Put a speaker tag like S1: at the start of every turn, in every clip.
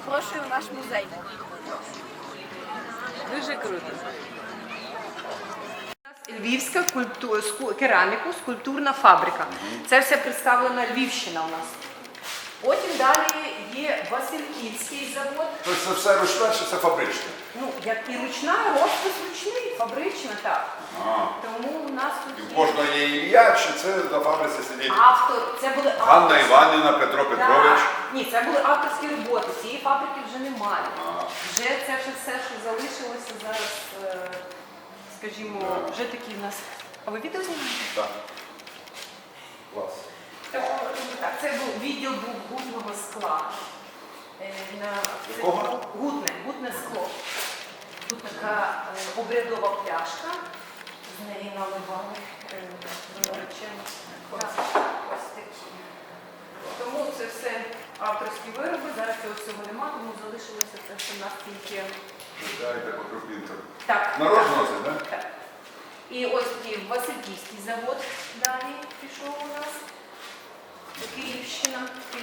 S1: Запрошую в наш музей.
S2: Дуже круто. Львівська кераміку, скульптурна фабрика. Це все представлена Львівщина у нас. Потім далі є Васильківський завод.
S3: Тобто це все ручне чи це фабричне?
S2: Ну, як і ручна, розпис ручний, фабрична, так. Тому у нас
S3: І
S2: тут
S3: в
S2: є
S3: кожного є ім'я, чи це на фабриці сидить
S2: автор. Це були
S3: Ганна
S2: авторські.
S3: Іванівна, Петро Петрович?
S2: Так. Ні, це були авторські роботи. Цієї фабрики вже немає. Вже це все, що залишилося зараз, скажімо, вже такі в нас. А ви відео знімаєте?
S3: Так. Клас.
S2: Так, це був відділ гутного скла.
S3: Якого?
S2: Гутне скло. Тут така обрядова пляшка, з неї наливали наречені. Ось такі. Тому це все авторські вироби, зараз цього всього немає, тому залишилося це все в нас тільки.
S3: Дайте по крупінкам.
S2: Так.
S3: Народ носить, так?
S2: Так. І ось такий Васильківський завод далі пішов у нас. Київщина.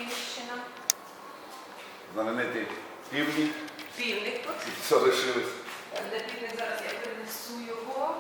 S3: Знаменитий півник.
S2: Півник тут.
S3: Залишились.
S2: Де півник зараз я принесу його.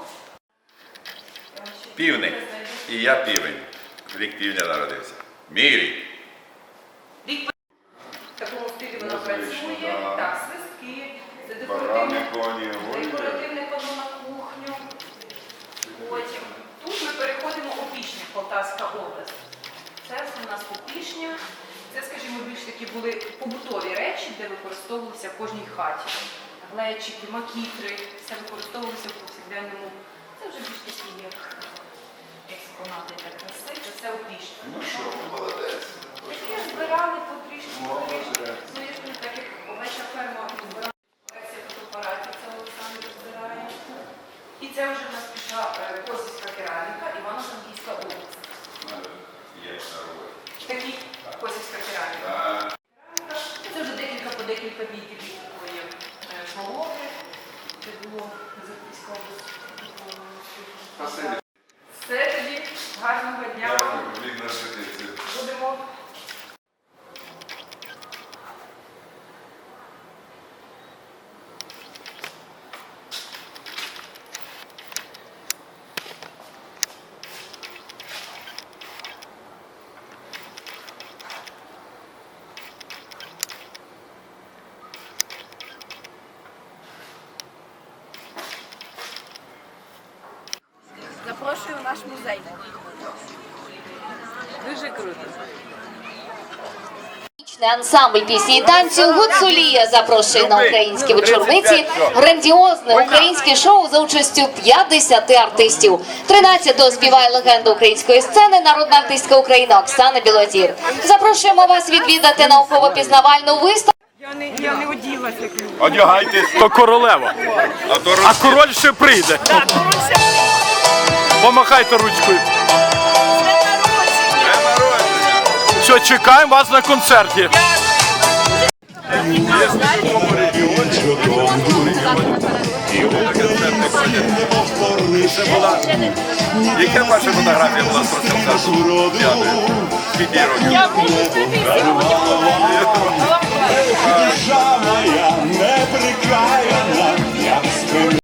S3: Півник. І я півень. Рік півня народився. Мій рік.
S2: Рік в такому стилі вона
S3: Музична,
S2: працює.
S3: да.
S2: Так, свистки. Це
S3: Барани, коні,
S2: декоративне панно на кухню. Потім. Тут ми переходимо у Опішня, Полтавська область. Це все у нас Опішня. Це, скажімо, більш такі були побутові речі, де використовувалися в кожній хаті. Глечики, макітри, все використовувалося в повсякденному. Це вже більш такі як експонати для краси, це все Опішня.
S3: Ну що, молодець.
S2: Такі збирали потрішки. Ну, я ж не так, як овеча ферма збирала. Колекція фотоапаратів, це Олександр збирає. І це вже в нас пішла Косівська кераміка, Івано-Франківська область.
S3: Є на роботі.
S2: Такі Косівська кераміка. Це вже декілька відділів такої шмалови. Це було Запорізька область.
S3: Спасибі.
S2: Все тоді. Гарного дня.
S3: Дякую, вік на репетицію.
S2: Будемо.
S1: Запрошую в наш музей.
S2: Дуже круто.
S4: Ансамбль пісні і танцю «Гуцулія» запрошує на українські вечорниці грандіозне українське шоу за участю 50 артистів. 13-го співає легенда української сцени, народна артистка України Оксана Білозір. Запрошуємо вас відвідати науково-пізнавальну виставку.
S2: Я не оділася.
S3: Одягайтесь.
S5: То королева, а король ще прийде. Помахайте ручкою. Що, чекаємо вас на концерті.
S3: Яка ваша фотографія була з концерту? Скільки років?
S1: Я буду сьогодні.